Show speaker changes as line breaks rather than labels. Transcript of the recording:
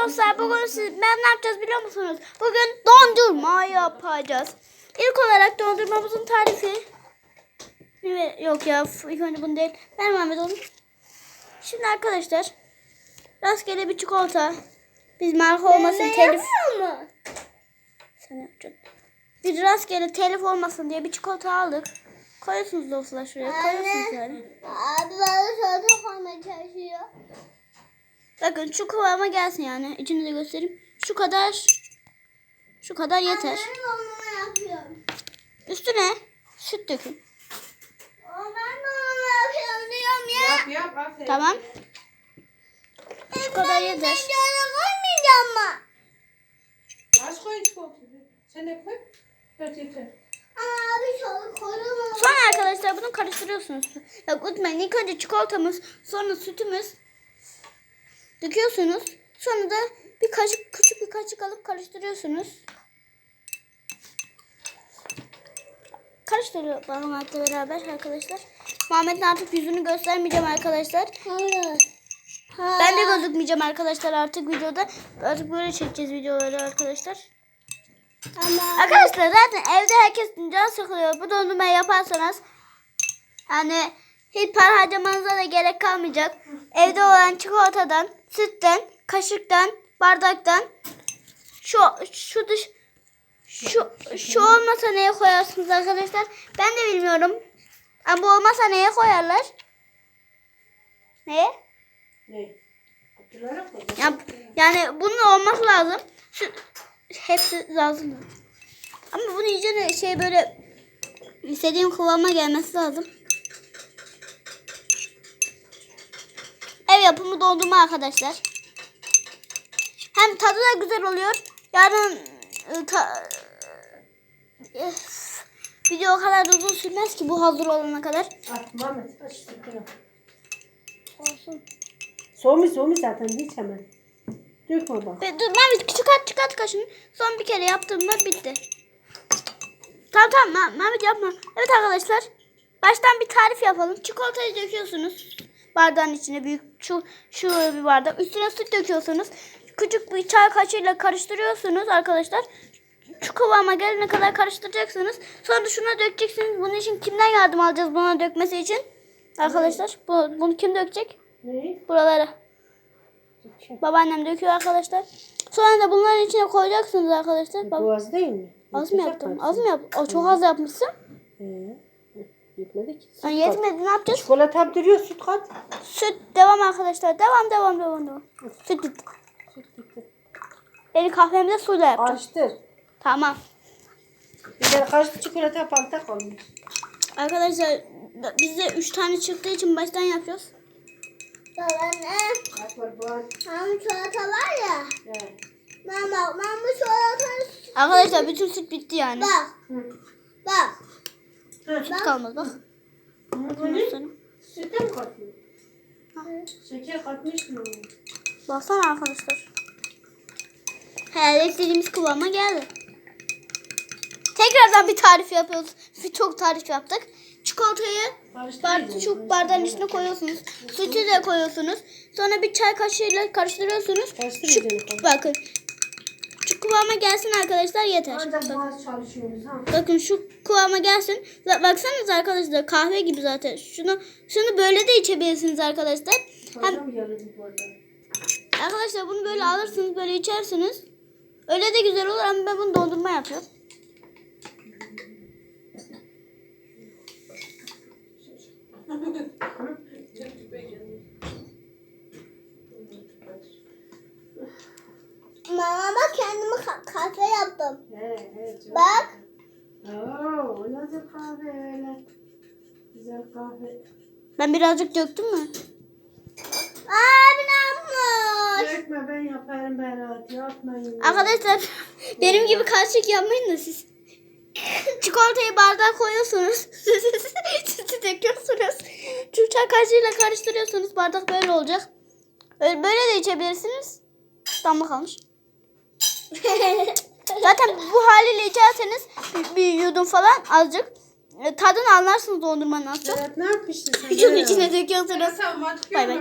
dostlar, bugün ben ne yapacağız biliyor musunuz? Bugün dondurma yapacağız. İlk olarak dondurmamızın tarifi. Yok ya, ilk önce bunu değil. Ben Mehmet onu. Şimdi arkadaşlar, rastgele bir çikolata. Biz marka olmasın, telif. Sen yapacaksın. Bir rastgele telif olmasın diye bir çikolata aldık. Koyuyorsunuz dostlar şuraya. Koyuyorsunuz yani.
Abi bana çikolata koymaya çalışıyor.
Bakın şu kıvama gelsin yani. İçini de göstereyim. Şu kadar yeter.
Ben dondurma yapıyorum.
Üstüne süt dökün.
Ben dondurma yapıyorum diyorum ya.
Yap aferin.
Tamam. Şu kadar
Ben
yeter.
şöyle koymayacağım mı?
Az koy çikolatayı. Sen de koy. Evet yeter.
Abi şöyle koyalım.
Sonra arkadaşlar bunu karıştırıyorsunuz. Bak unutmayın, ilk önce çikolatamız, sonra sütümüz döküyorsunuz. Sonra da küçük bir kaşık alıp karıştırıyorsunuz. Karıştırıyor parmakla beraber arkadaşlar. Muhammed'in artık yüzünü göstermeyeceğim arkadaşlar.
Hayır.
Ben de gözükmeyeceğim arkadaşlar artık videoda. Artık böyle çekeceğiz videoları arkadaşlar.
Ama
Arkadaşlar zaten evde herkes can sıkılıyor. Bu dondurmayı yaparsanız yani hiç para harcamanıza da gerek kalmayacak. Evde olan çikolatadan, sütten, kaşıktan, bardaktan şu olmasa neye koyarsınız arkadaşlar? Ben de bilmiyorum. Ama bu olmasa neye koyarlar? Neye?
Ne? Kutulara koy.
Yani bunun olması lazım. Hepsi lazım. Ama bunu iyice böyle istediğim kıvama gelmesi lazım. Ev yapımı dondurma arkadaşlar. Hem tadı da güzel oluyor. Yarın video o kadar uzun sürmez ki bu hazır olana kadar.
At Mehmet. Aç sıkıyorum.
Olsun.
Soğumuş zaten hiç hemen. Dökme bak.
Dur Mehmet, çıkart kaşını. Son bir kere yaptığımda bitti. Tamam Mehmet yapma. Evet arkadaşlar. Baştan bir tarif yapalım. Çikolatayı döküyorsunuz. Bardağın içine büyük şu bir bardak. Üstüne süt döküyorsunuz. Küçük bir çay kaşığıyla karıştırıyorsunuz arkadaşlar. Şu kıvama gelene kadar karıştıracaksınız. Sonra şuna dökeceksiniz. Bunun için kimden yardım alacağız buna dökmesi için? Arkadaşlar bunu kim dökecek?
Ne?
Buralara. Babaannem döküyor arkadaşlar. Sonra da bunların içine koyacaksınız arkadaşlar. Bak,
Bu az değil mi?
az mı yaptım? Az mı yaptım? Çok az yapmışsın.
Yetmedi ki.
Yani yetmedi, ne yapacağız?
Çikolata duruyor, süt kat.
Süt devam arkadaşlar. Devam. Süt bitti.
Süt bitti.
Beni kahvemde suyla yapacağım.
Karıştır.
Tamam.
Bir de karıştı çikolata palta kalmış.
Arkadaşlar bizde 3 tane çıktığı için baştan yapıyoruz.
anne.
Bak bak.
Hem çikolata var ya.
Evet.
Ben bu çikolatayı
Arkadaşlar bütün süt bitti yani.
bak. Bak.
Süt kalmadı bak.
Böyle
Sonra.
süte mi katıyor? Şeker katmış mı?
Baksana arkadaşlar. Herhalde istediğimiz kıvama geldi. Tekrardan bir tarif yapıyoruz. Çok tarif yaptık. Çikolatayı şu bardağın içine koyuyorsunuz. Sütü de koyuyorsunuz. Sonra bir çay kaşığıyla karıştırıyorsunuz. Bakın. Şu kıvama gelsin arkadaşlar, yeter.
Ancak boğaz çalışıyoruz ha.
Bakın şu kıvama gelsin. Baksanıza arkadaşlar, kahve gibi zaten. Şunu böyle de içebilirsiniz arkadaşlar.
Hocam yarın bu arada.
Arkadaşlar bunu böyle alırsınız, böyle içersiniz. Öyle de güzel olur ama ben bunu dondurma yapıyorum.
Mama kendime kahve yaptım.
Evet.
Bak.
Oo, nasıl kahve öyle? Güzel kahve.
Ben birazcık döktüm mü?
Abi ne yapmış?
Dökme, ben yaparım Berat. Yapmayın.
Arkadaşlar benim gibi kaşık yapmayın da siz. Çikolatayı bardağa koyuyorsunuz. Sütü döküyorsunuz. Şu çay kaşığıyla karıştırıyorsunuz. Bardak böyle olacak. Böyle de içebilirsiniz. Damla kalmış. Zaten bu haliyle içerseniz bir yudum falan azıcık tadını anlarsınız dondurmanın az çok.
Berat ne yapmışsın sen?
Şunun içine döküyorsunuz.
Sen
Bay bay.